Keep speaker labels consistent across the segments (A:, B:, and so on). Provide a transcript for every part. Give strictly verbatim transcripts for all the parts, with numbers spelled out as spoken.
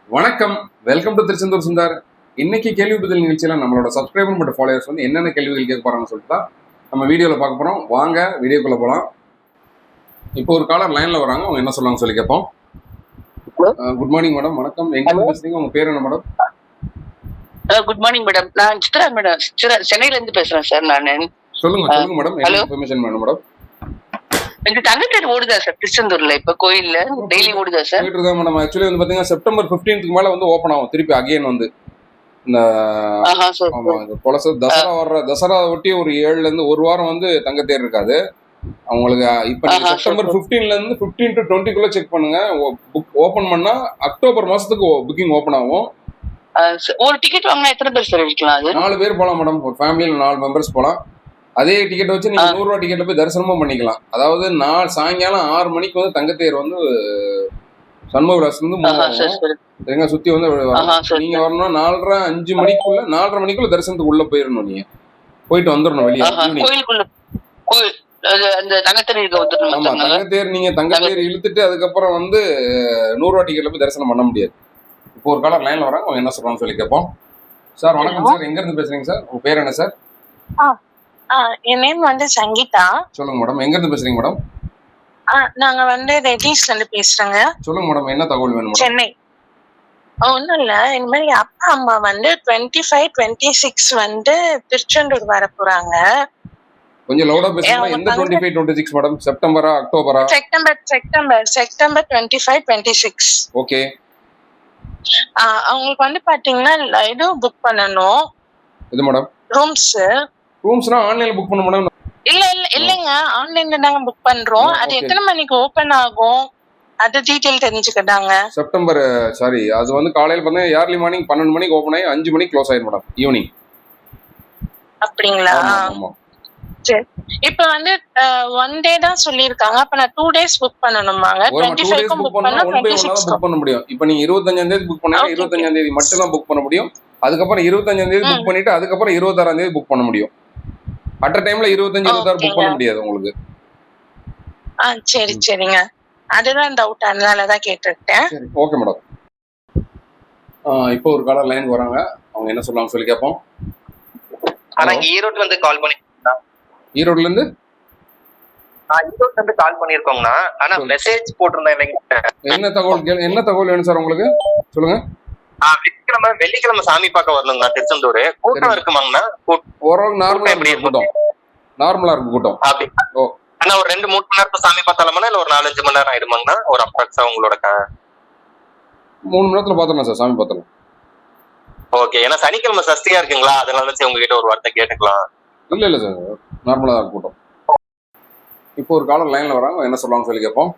A: வணக்கம், welcome to Tiruchendur Sundar. இன்னைக்கு கேள்வி பதில் நிகழ்ச்சியில நம்மளோட சப்ஸ்கிரைபர் மற்றும் ஃபாலோவர்ஸ் வந்து என்னென்ன கேள்விகள் கேட்க போறாங்கன்னு சொல்லிட்டு தான் நம்ம வீடியோவில் பார்க்க போறோம். வாங்க வீடியோக்குள்ள போகலாம். இப்போ ஒரு காலர் லைன்ல வராங்க, அவங்க என்ன சொல்லுவாங்க சொல்லி கேட்போம். Good morning madam. வணக்கம், எங்க இருந்து பேசுறீங்க? உங்க பேர் என்ன மேடம்?
B: Good morning madam. நான் சித்ரா மேடம், சித்ரா சென்னையில இருந்து பேசுறேன் சார். நான்
A: சொல்லுங்க சொல்லுங்க மேடம், என்ன இன்ஃபர்மேஷன் வேணும் மேடம்?
B: எங்க தங்கத்தேர் ஓடுதா சார் திருச்செந்தூர்ல? இப்ப கோயில்ல டெய்லி ஓடுதா சார்?
A: போயிட்டு இருக்கா மேடம். ஆக்சுவலி வந்து பாத்தீங்கன்னா செப்டம்பர் பதினைந்துக்கு மேல வந்து ஓப்பன் ஆகும் திருப்பி அகைன் வந்து இந்த பொலச தசரா வர்ற தசரா ஒட்டி ஒரு ஏழுல இருந்து ஒரு வாரம் வந்து தங்கத்தேர் இருக்காது அவங்களுக்கு. இப்ப நீங்க செப்டம்பர் பதினைந்துல இருந்து பதினைந்து டு இருபதுக்குள்ள செக் பண்ணுங்க. புக் ஓபன் பண்ணா அக்டோபர் மாசத்துக்கு புக்கிங் ஓபன் ஆகும்.
B: ஒரு டிக்கெட் வாங்கினா எத்தனை பேர் சார் இருக்கலாம்? அது
A: நாலு பேர் போலாம் மேடம். ஒரு ஃபேமிலியில நாலு மெம்பர்ஸ் போலாம். அதே டிக்கெட் வச்சு நீங்க நூறு ரூபா டிக்கெட்ல போய் தரிசனமும் பண்ணிக்கலாம். அதாவது நாள் சாயங்காலம் ஆறு மணிக்கு வந்து தங்கத்தேர் வந்து சண்முக விலாஸ் வந்து சுத்தி வந்து நீங்க வரணும். நாலரை அஞ்சு மணிக்குள்ள நாலரை மணிக்குள்ள தரிசனத்துக்கு உள்ள போயிடணும். நீங்க போயிட்டு வந்துடணும் வெளியே. ஆமா, தங்கத்தேர் நீங்க தங்கத்தேர் இழுத்துட்டு அதுக்கப்புறம் வந்து நூறு ரூபா டிக்கெட்ல போய் தரிசனம் பண்ண முடியாது. இப்போ ஒரு காலர் லைன்ல வராங்க, அவங்க என்ன சொல்றாங்க சொல்லி கேட்போம். சார் வணக்கம் சார், எங்க இருந்து பேசுறீங்க சார்? உங்க பேர் என்ன சார்?
C: என் நேம் வந்து சங்கீதா.
A: சொல்லுங்க மேடம், எங்க இருந்து பேசுறீங்க மேடம்?
C: நாங்க வந்து ரெட்டிஸ்ல இருந்து பேசுறேங்க.
A: சொல்லுங்க மேடம், என்ன தகவல் வேணும்?
C: சென்னை. ஒன்னும் இல்ல, இந்த மாதிரி அப்பா அம்மா வந்து டுவெண்ட்டி ஃபைவ் டுவெண்ட்டி சிக்ஸ் வந்து திருச்செந்தூர் வர போறாங்க.
A: கொஞ்சம் லவுடா பேசுங்க. எந்த twenty five twenty six madam? செப்டம்பரா அக்டோபரா?
C: September September September twenty five twenty six.
A: Okay.
C: அவங்களுக்கு வந்து பாத்தீங்கன்னா இது புக் பண்ணணும்.
A: இது மேடம்
C: ரூம்ஸ்.
A: ரூம்ஸ்னா ஆன்லைன்ல புக் பண்ண மேடம்?
C: இல்ல இல்ல இல்லங்க, ஆன்லைன்ல தாங்க புக் பண்றோம். அது எத்தனை மணிக்கு ஓபன் ஆகும் அது டீடைல் தெரிஞ்சுக்கிட்டாங்க.
A: செப்டம்பர் சாரி அது வந்து காலையில பண்ண ஏர்லி மார்னிங் பன்னெண்டு மணிக்கு ஓபன் ஆகி அஞ்சு மணிக்கு க்ளோஸ் ஆயிடும் மேடம், ஈவினிங்.
C: அப்படிங்களா? சரி. இப்ப வந்து ஒன் டே தான் சொல்லிருக்காங்க. அப்ப நான் டூ டேஸ் புக் பண்ணணுமாங்க? டுவெண்ட்டி ஃபைவ் க்கு புக் பண்ணா டுவெண்ட்டி சிக்ஸ்
A: புக் பண்ண முடியும். இப்போ நீங்க இருபத்தஞ்சாம் தேதி புக் பண்ணா இருபத்தஞ்சாம் தேதி மட்டும் தான் புக் பண்ண முடியும். அதுக்கப்புறம் இருபத்தஞ்சாம் தேதி புக் பண்ணிட்டு அதுக்கப்புறம் இருபத்தாறாம் தேதி புக் பண்ண முடியும். அட் டைம்ல இருபத்தஞ்சு இருபத்தாறு புக் பண்ண முடியாது உங்களுக்கு.
C: ஆ சரி சரிங்க, அதுதான் டவுட், அதனால தான் கேட்டுட்டேன்.
A: சரி ஓகே மேடம். இப்போ ஒரு காலர் லைன் வராங்க, அவங்க என்ன சொல்றாங்க சொல்லி கேட்போம்.
B: ஆனா ஈரோட்ல இருந்து கால் பண்ணி
A: ஈரோட்ல இருந்து
B: ஈரோட்ல இருந்து கால் பண்ணிருக்கோங்கண்ணா. ஆனா மெசேஜ் போட்டிருந்தேன்.
A: என்ன தகவல் என்ன தகவல் வேணும் சார் உங்களுக்கு? சொல்லுங்க.
B: வெள்ளிக்கிழமை வெள்ளிக்கிழமை சாமி பார்க்க வரணுங்கண்ணா திருச்செந்தூர். கூட்டம் இருக்குமாங்கண்ணா?
A: ஓரளவுக்கு நார்மலா இருக்கு கூட்டம். நார்மலா இருக்கு கூட்டம்.
B: அப்படி ஓ ஆனா ஒரு ரெண்டு மூணு மணி நேரத்துல சாமி பார்த்தாலும்னா இல்ல ஒரு நாலஞ்சு மணி நேரம் ஆயிடுமாங்கண்ணா? ஒரு அப்ராக்ஸா உங்களோட
A: மூணு மணி நேரத்துல பாத்துடலாம் சார், சாமி பார்த்துடலாம்.
B: ஓகே. ஏன்னா சனிக்கிழமை சஸ்தியா இருக்குங்களா, அதனால உங்ககிட்ட ஒரு வார்த்தை கேட்டுக்கலாம்.
A: இல்ல இல்ல சார், நார்மலா தான் கூட்டம். இப்போ ஒரு காலர் லைன்ல வராங்க, என்ன சொல்லுவாங்க சொல்லி கேட்போம்.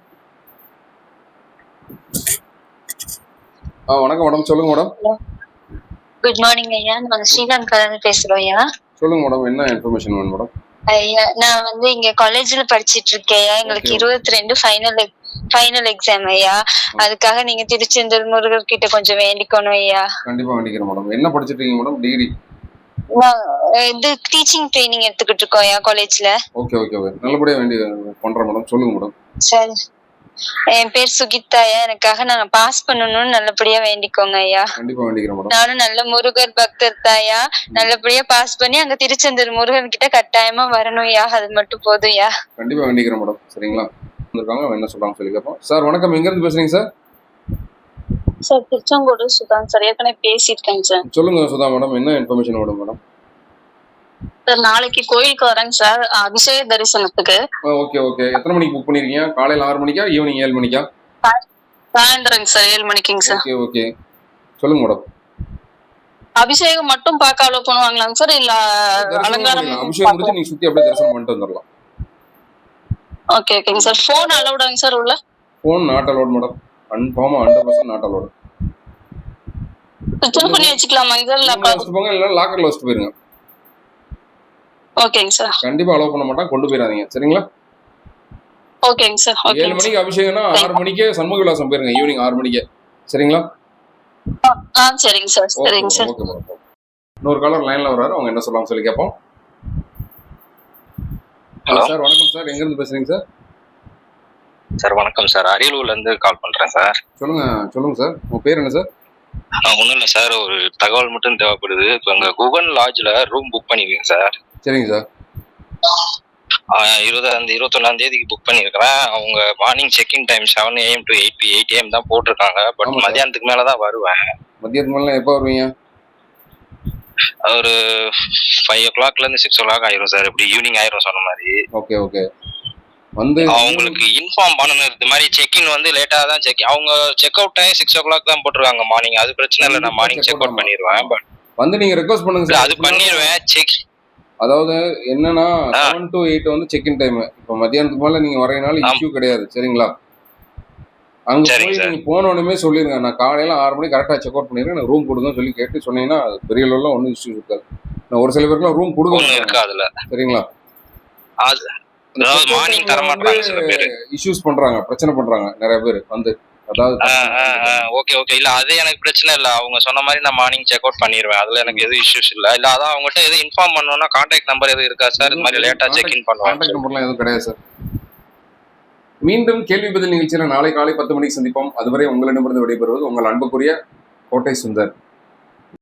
A: வணக்கம் மேடம், சொல்லுங்க மேடம்.
D: குட் மார்னிங் ஐயா, நாங்க ஸ்ரீலங்கா இருந்து பேசுறோம் ஐயா.
A: சொல்லுங்க மேடம், என்ன இன்ஃபர்மேஷன் வேணும் மேடம்?
D: ஐயா நான் வந்து இங்க காலேஜ்ல படிச்சிட்டு இருக்கேன். எங்களுக்கு இருபத்தி ரெண்டு ஃபைனல் ஃபைனல் எக்ஸாம் ஐயா. அதுக்காக நீங்க திருச்செந்தூர் முருகர் கிட்ட கொஞ்சம் வேண்டிக்கணும் ஐயா.
A: கண்டிப்பா வேண்டிக்கிறேன் மேடம். என்ன படிச்சிட்டு இருக்கீங்க மேடம்? டிகிரி?
D: இது டீச்சிங் ட்ரைனிங் எடுத்துக்கிட்டு இருக்கோம் ஐயா காலேஜ்ல.
A: ஓகே ஓகே ஓகே, நல்லபடியா வேண்டி பண்றேன் மேடம். சொல்லுங்க மேடம்.
D: சரி, என் பேர் சுகிதா ஐயா. எனக்காக நாங்க பாஸ் பண்ணணும்னு நல்லபடியா வேண்டிக்கோங்க ஐயா.
A: கண்டிப்பா வேண்டிக்கிறேன் மேடம்.
D: நானும் நல்ல முருகர் பக்தர் தாயா. நல்லபடியா பாஸ் பண்ணி அங்க திருச்செந்தூர் முருகன் கிட்ட கட்டாயமா வரணும் ஐயா, அது மட்டும் போதும் ஐயா.
A: கண்டிப்பா வேண்டிக்கிறேன் மேடம். சரிங்களா? வந்திருக்காங்க, என்ன சொல்றாங்க சொல்லி கேட்போம். சார் வணக்கம், எங்க இருந்து பேசுறீங்க sir?
D: Sir Tiruchengode Sudha sir, ஏற்கனவே பேசியிருக்கேங்க சார்.
A: சொல்லுங்க சுதா மேடம், என்ன இன்ஃபர்மேஷன் வேணும் மேடம்?
D: சார் நாளைக்கு கோயிலுக்கு வரேங்க சார், அபிஷேக தரிசனத்துக்கு.
A: ஓகே ஓகே, எத்தனை மணிக்கு புக் பண்ணிருக்கீங்க? காலையில ஆறு மணிக்கா ஈவினிங் ஏழு மணிக்கா?
D: சாயந்தரங்க சார் ஏழு மணிக்குங்க சார்.
A: ஓகே ஓகே, சொல்லுங்க மேடம்.
D: அபிஷேகம் மட்டும் பார்க்க அலோ பண்ணுவாங்களாங்க சார், இல்ல அலங்காரம்?
A: அபிஷேகம் முடிஞ்சு நீங்க சுத்தி அப்படியே தரிசனம் பண்ணிட்டு வந்துடலாம்.
D: ஓகே ஓகேங்க சார். ஃபோன் அலௌடாங்க சார் உள்ள?
A: Phone not allowed madam. கன்ஃபார்மா ஹண்ட்ரட் பர்சன்ட் நாட் அலௌட்.
D: சுவிட்ச் ஆஃப் பண்ணி வச்சுக்கலாமாங்க சார்?
A: லாக்கர்ல வச்சுட்டு போங்க, இல்ல லாக்கர்ல வச்சுட்டு போயிருங்க.
D: ஓகேங்க சார்.
A: கண்டிப்பா அலோவ் பண்ண மாட்டாங்க, கொண்டு போயிடாதீங்க. சரிங்களா?
D: ஓகேங்க சார்.
A: ஏழு மணிக்கு அபிஷேகம்னா ஆறு மணிக்கே சண்முக விலாசம் போயிருங்க, ஈவினிங் ஆறு மணிக்கு. சரிங்களா?
D: ஆ சரிங்க சார். சரிங்க சார்.
A: Okay madam. இன்னொரு காலர் லைன்ல வராரு, அவங்க என்ன சொல்றாங்க சொல்லி கேட்போம். ஹலோ சார், வணக்கம் சார், எங்க இருந்து பேசுறீங்க சார்?
B: சார் வணக்கம் சார், அரியலூர்ல இருந்து கால் பண்றேன் சார்.
A: சொல்லுங்க சொல்லுங்க சார், உங்க பேர் என்ன சார்?
B: ஒன்றும் இல்லை சார், ஒரு தகவல் மட்டும் தேவைப்படுது. இப்போ அங்கே குகன் லாட்ஜில் ரூம் புக் பண்ணிருக்கேன் சார்.
A: சரிங்க சார்.
B: இருபதாம் தேதி இருபத்தொன்னாம் தேதிக்கு புக் பண்ணியிருக்கிறேன். அவங்க morning check in time seven AM to eight eight AM தான் போட்டிருக்காங்க. பட்
A: ஆமா சார்.
B: மதியானத்துக்கு மேலே தான் வருவேன்.
A: மதியத்துக்கு மேலே எப்போ வருவீங்க?
B: ஒரு ஃபைவ் ஓ கிளாக்லேருந்து சிக்ஸ் ஓ கிளாக் ஆயிரும் சார். இப்படி ஈவினிங் ஆயிரும் சொன்ன மாதிரி.
A: Okay okay. வந்து
B: அவங்களுக்கு இன்ஃபார்ம் பண்ணணும். இது மாதிரி செக்இன் வந்து லேட்டாக தான் செக் அவங்க check out time six o'clock தான் போட்டிருக்காங்க மார்னிங். அது பிரச்சனை இல்லை, நான் மார்னிங் செக் அவுட் பண்ணிடுவேன். பட்
A: வந்து நீங்கள் ரெக்வஸ்ட் பண்ணுங்க சார்.
B: அது பண்ணிடுவேன். செக்
A: அதாவது என்னன்னா செவன் டு எயிட் வந்து செக்இன் டைம். இப்போ மதியானத்துக்கு மேலே நீங்கள் வரதுனால இஷ்யூ கிடையாது. சரிங்களா? அங்கே போய் நீங்கள் போன உடனே சொல்லிடுங்க, நான் காலையில் ஆறு மணிக்கு கரெக்டாக செக் அவுட் பண்ணிடுறேன், எனக்கு ரூம் கொடுங்க சொல்லி கேட்டு சொன்னீங்கன்னா அது பெரிய லெவலில் ஒன்றும் இஷ்யூ இருக்காது. நான் ஒரு சில பேருக்குலாம் ரூம் கொடுக்க
B: இருக்காதுல்ல.
A: சரிங்களா?
B: அது மார்னிங் தர மாட்டாங்க சில பேர்.
A: இஷ்யூஸ் பண்றாங்க, பிரச்சனை பண்றாங்க நிறைய பேர் வந்து. அதாவது
B: ஓகே ஓகே இல்ல அது எனக்கு பிரச்சனை இல்ல. அவங்க சொன்ன மாதிரி நான் மார்னிங் செக் அவுட் பண்ணிடுவேன். அதுல எனக்கு எதுவும் இஷ்யூஸ் இல்ல. இல்ல அதான் அவங்ககிட்ட எதுவும் இன்ஃபார்ம் பண்ணணும்னா கான்டாக்ட் நம்பர் எதுவும் இருக்கா சார்? இது மாதிரி லேட்டா செக் இன் பண்ணுவாங்க.
A: கான்டாக்ட் நம்பர்லாம் எதுவும் கிடையாது சார். மீண்டும் கேள்வி பதில் நிகழ்ச்சியில நாளை காலை பத்து மணிக்கு சந்திப்போம். அதுவரை உங்களிடமிருந்து விடைபெறுவது உங்கள் அன்புக்குரிய கோட்டை சுந்தர்.